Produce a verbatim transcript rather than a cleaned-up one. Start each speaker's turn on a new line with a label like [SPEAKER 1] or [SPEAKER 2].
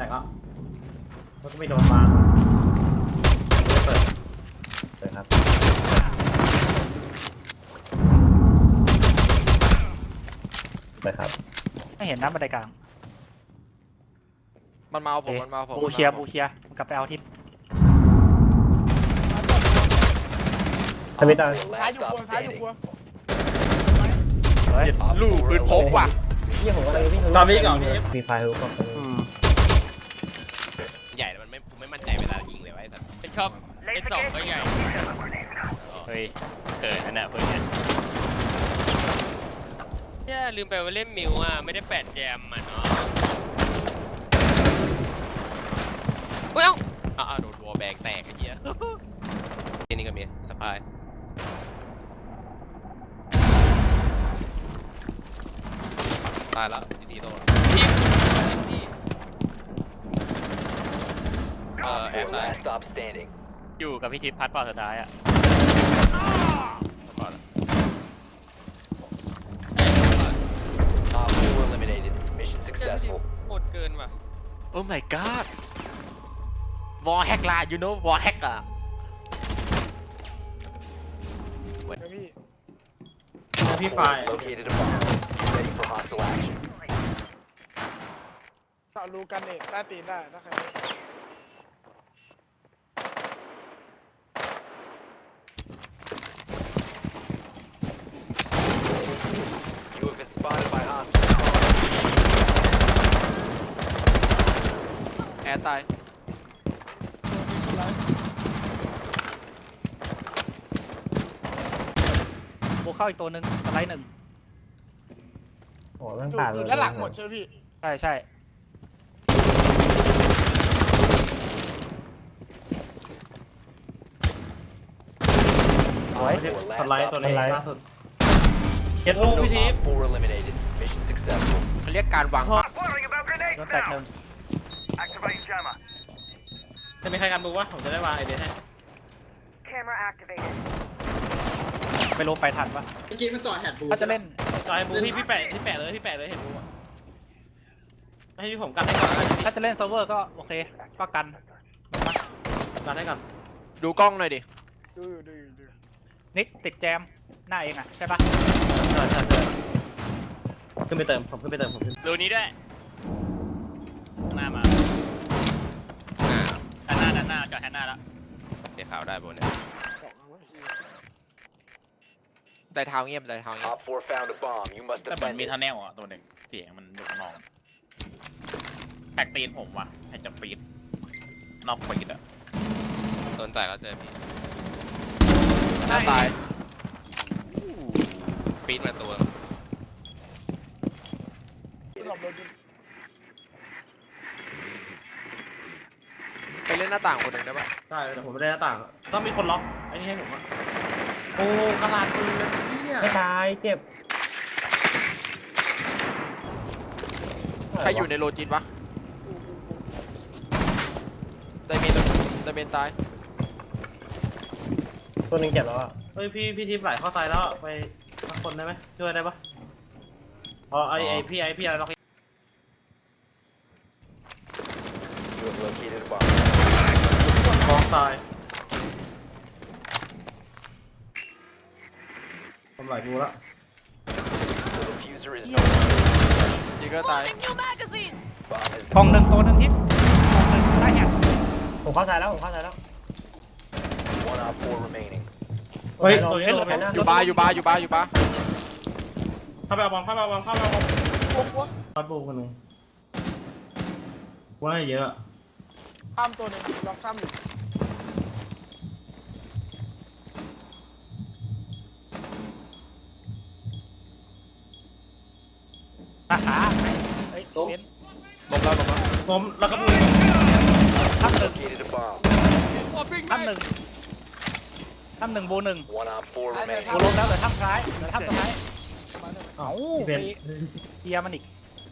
[SPEAKER 1] แต่ก็มันก็ไม่โดนวางเปิดเปิดครับไปครับ
[SPEAKER 2] ไม่เห็นน้ำบันไดกลาง
[SPEAKER 3] มันมาเอาผมมันมาเอาผม
[SPEAKER 2] บูเชียบูเชียกลับไปเอาทิศ
[SPEAKER 1] ทำไม่ได้
[SPEAKER 4] ซ้ายอยู่ครัวซ้ายอยู่ครัว
[SPEAKER 3] ลูกปืนพกว่ะ
[SPEAKER 1] ยี่ผมก็เลยวิ่งตอนนี้ก่อนมีไฟลุกก็
[SPEAKER 3] ใหญ่แต่มันไม่ไม่มั่นใจเวลายิงเลยไว้แต่เป็นชอบเป็นสองก็ใหญ่
[SPEAKER 5] เฮ้ยเกิดอันน่ะเพื่อนเนี่ยลืมไปว่าเล่นมิวอ่ะไม่ได้แปดแจมมันเนาะเฮ้ยเอ้าอ้าวโดนวอลแบงแตกไอ้เหี้ยทีนี้ก็มีสปายตายแล้วดีๆโดนทีมทีมเออแอบตายอยู่กับพี่ชิปพัดเปล่าสุดท้ายอ่ะโคตรเกินว่ะ
[SPEAKER 3] Oh my god วอลแฮกล่ะ you know วอลแฮกอ่ะ
[SPEAKER 4] พี่
[SPEAKER 1] พี่ไฟ
[SPEAKER 4] สาวรูกันเองได้ตีนได้ถ้าใคร
[SPEAKER 3] แอร์ตาย
[SPEAKER 2] บูเข้าอีกตัวหนึ่งสไลด์หนึ่ง
[SPEAKER 1] โอ้ตั้งแต่เลย
[SPEAKER 4] แล้วหลังหมดใช่ไหมพี่
[SPEAKER 2] ใช่ใช่สวย
[SPEAKER 1] สไลด์ตัวนี้ล่าสุดเก็ตลูกพี่ทิพย์
[SPEAKER 3] เขาเรียกการวาง
[SPEAKER 2] โดนแตกหนึ่ง
[SPEAKER 1] จะมีใครกันบูวะผมจะได้วางไอเดียให้
[SPEAKER 2] ไม่รู้ไปทันปะ
[SPEAKER 6] เมื่อกี้มันจ่อแฮดบู
[SPEAKER 2] ถ้าจะเล่น
[SPEAKER 1] จอยบูพี่พี่แปะพี่แปะเลยพี่แปะเลยเห็นบูอ่ะให้พี่ผมกันให้ก่อน
[SPEAKER 2] ถ้าจะเล่นเซิร์ฟเวอร์ก็โอเคก็กัน
[SPEAKER 1] กันให้ก่อน
[SPEAKER 3] ดูกล้องหน่อยดิ
[SPEAKER 4] ดูอยู่ดูอยู่ดู
[SPEAKER 2] นิกติดแจมหน้าเองอ่ะใช่ปะ
[SPEAKER 1] ใช่ใช่ใช่ขึ้นไปเติมผมขึ้นไปเติมผมขึ้น
[SPEAKER 5] รูนี้ด้วยหน้ามาด้านหน้าด้านหน้าจอดแฮนหน้าแล้วเดี๋ยวข่าวได้บนเนี่ย
[SPEAKER 3] ใจเท้าเงียบใจเท้าเงียบ
[SPEAKER 5] แต่มันมีทันแนลอ่ะตัวหนึ่งเสียงมันอยู่ข้างนอกแท็กตีนผมว่ะแท็กจะฟีดนอกฟีดอ่ะสนใจแล้วเจอพี่
[SPEAKER 3] หน้าตาย
[SPEAKER 5] ฟีดมาตัว
[SPEAKER 3] ไปเล่นหน้าต่างคนหนึ่งได้ปะ
[SPEAKER 1] ใช่แต่ผมไม่ได้หน้าต่างต้องมีคนล็อกไอ้นี่ให้ผมอ่ะโอ้กระลาดปืนไม่ตายเจ็บ
[SPEAKER 3] ใครอยู่ในโลจินวะไดเมนไดเมนตาย
[SPEAKER 1] ตัวนึงเจ็บแล้วอ่ะเฮ้ยพี่พี่ทิพย์ไหลเข้าตายแล้วไปสักคนได้ไหมช่วยได้ปะอ๋อไอไอพี่ไอพี่อะไรล็อกท้องตายทำหลายกูละ
[SPEAKER 3] ยิงก็ตาย
[SPEAKER 2] กองหนึ่งตัวหนึ่งทิศกองหนึ่งได้แฮก
[SPEAKER 1] ผมเข้าใจแล้วผมเข้าใจแล้วเฮ้ยตัวนี้
[SPEAKER 3] อยู่บาร์อยู่บาร์อยู่บาร์อยู่บาร์
[SPEAKER 1] เข้าไปเอาบอลเข้าไปเอาบอลเข้าไปเอาบอลพัดบูคนหนึ่งว่าเยอะ
[SPEAKER 4] ข้ามตัวหนึ่งลองข้ามอยู่
[SPEAKER 2] ราคาเฮ้ยล้ม
[SPEAKER 3] ล้มแล้วล้มแล้ว
[SPEAKER 1] ล้มแล้วก็บู
[SPEAKER 2] ทับหนึ่งทับหนึ่งทับหนึ่งบูหนึ่งบูล้มแล้วเหลือทับซ้ายเหลือทับซ้ายเอ้าเกียร์มันอีก